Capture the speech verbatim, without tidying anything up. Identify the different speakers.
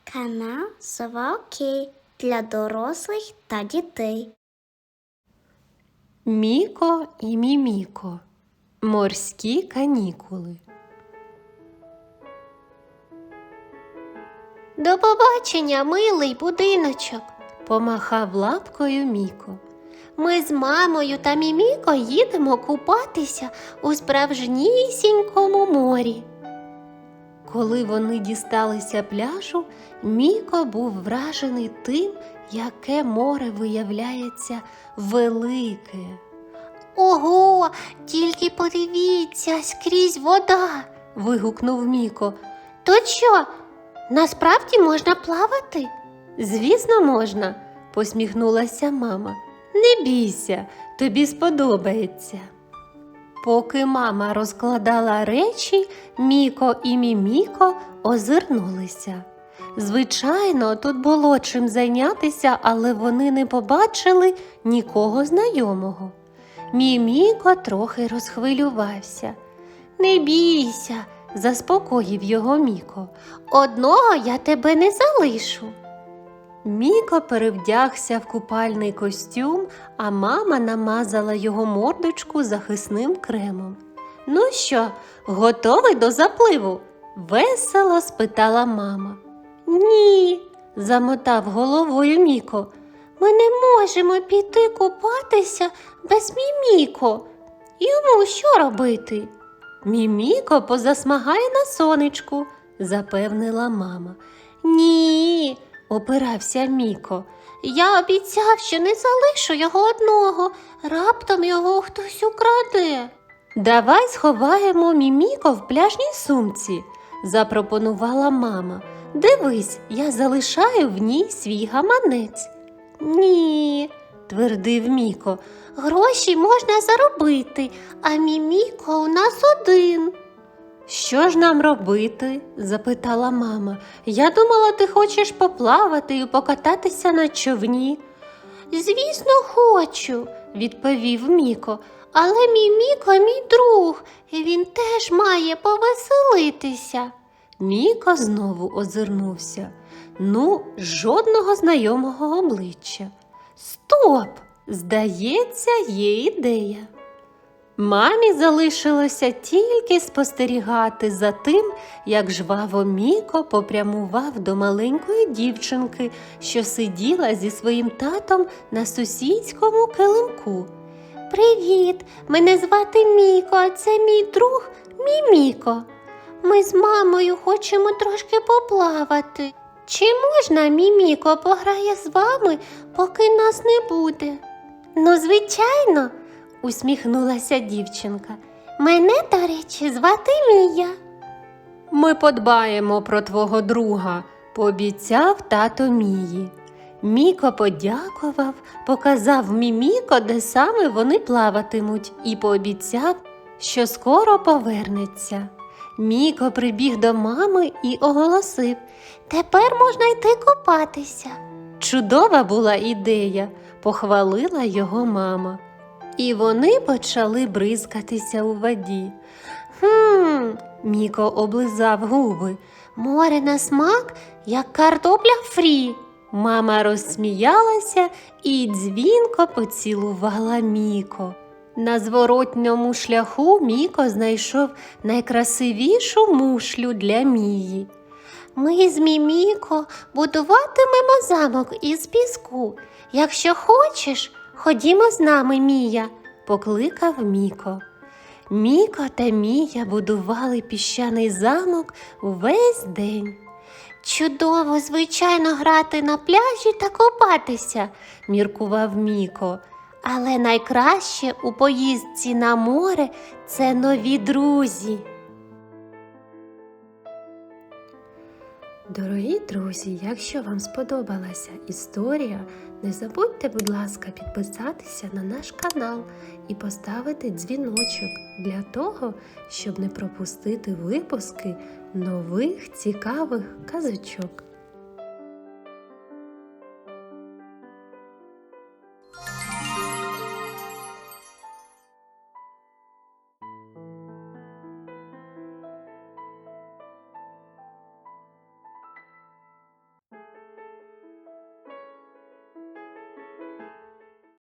Speaker 1: Канал Сова Окей для дорослих та дітей.
Speaker 2: Міко і Міміко. Морські канікули.
Speaker 3: До побачення, милий будиночок,
Speaker 2: Помахав лапкою Міко.
Speaker 3: ми з мамою та Міміко їдемо купатися у справжнісінькому морі.
Speaker 2: Коли вони дісталися пляжу, Міко був вражений тим, яке море виявляється велике.
Speaker 3: Ого, тільки подивіться, скрізь вода.
Speaker 2: Вигукнув Міко.
Speaker 3: То що, насправді можна плавати?
Speaker 2: Звісно, можна, посміхнулася мама. Не бійся, тобі сподобається. Поки мама розкладала речі, Міко і Міміко озирнулися. Звичайно, тут було чим зайнятися, але вони не побачили нікого знайомого. Міміко трохи розхвилювався.
Speaker 3: Не бійся,
Speaker 2: Заспокоїв його Міко.
Speaker 3: одного я тебе не залишу.
Speaker 2: Міко перевдягся в купальний костюм, а мама намазала його мордочку захисним кремом. «Ну що, готовий до запливу?» – весело спитала мама.
Speaker 3: Ні,
Speaker 2: Замотав головою Міко.
Speaker 3: ми не можемо піти купатися без Міміко. Йому що робити?
Speaker 2: «Міміко позасмагає на сонечку», – запевнила мама.
Speaker 3: Ні,
Speaker 2: Опирався Міко.
Speaker 3: я обіцяв, що не залишу його одного. Раптом його хтось украде.
Speaker 2: «Давай сховаємо Міміко в пляжній сумці», – запропонувала мама. «Дивись, я залишаю в ній свій гаманець».
Speaker 3: Ні,
Speaker 2: Твердив Міко.
Speaker 3: гроші можна заробити, а Міміко у нас один.
Speaker 2: «Що ж нам робити?» – запитала мама. «Я думала, ти хочеш поплавати і покататися на човні»,
Speaker 3: Звісно, хочу,
Speaker 2: – відповів Міко.
Speaker 3: але Міміко мій друг, і він теж має повеселитися.
Speaker 2: Міко знову озирнувся. Ну, жодного знайомого обличчя. Стоп! Здається, є ідея. Мамі залишилося тільки спостерігати за тим, як жваво Міко попрямував до маленької дівчинки, що сиділа зі своїм татом на сусідському килимку.
Speaker 3: Привіт, мене звати Міко, а це мій друг Міміко. Ми з мамою хочемо трошки поплавати. Чи можна Міміко пограє з вами, поки нас не буде? Ну, звичайно,
Speaker 2: Усміхнулася дівчинка.
Speaker 3: мене, до речі, звати Мія.
Speaker 2: Ми подбаємо про твого друга, пообіцяв тато Мії. Міко подякував, показав Міміко, де саме вони плаватимуть, і пообіцяв, що скоро повернеться. Міко прибіг до мами і оголосив.
Speaker 3: Тепер можна йти купатися.
Speaker 2: Чудова була ідея, похвалила його мама. І вони почали бризкатися у воді.
Speaker 3: Хм,
Speaker 2: Міко облизав губи.
Speaker 3: море на смак, як картопля фрі.
Speaker 2: Мама розсміялася і дзвінко поцілувала Міко. На зворотньому шляху Міко знайшов найкрасивішу мушлю для Мії.
Speaker 3: Ми з Міміко будуватимемо замок із піску. Якщо хочеш, ходімо з нами, Мія.
Speaker 2: Покликав Міко. Міко та Мія будували піщаний замок увесь день.
Speaker 3: Чудово, звичайно, грати на пляжі та купатися,
Speaker 2: Міркував Міко.
Speaker 3: але найкраще у поїздці на море – це нові друзі.
Speaker 2: Дорогі друзі, якщо вам сподобалася історія, не забудьте, будь ласка, підписатися на наш канал і поставити дзвіночок для того, щоб не пропустити випуски нових цікавих казочок.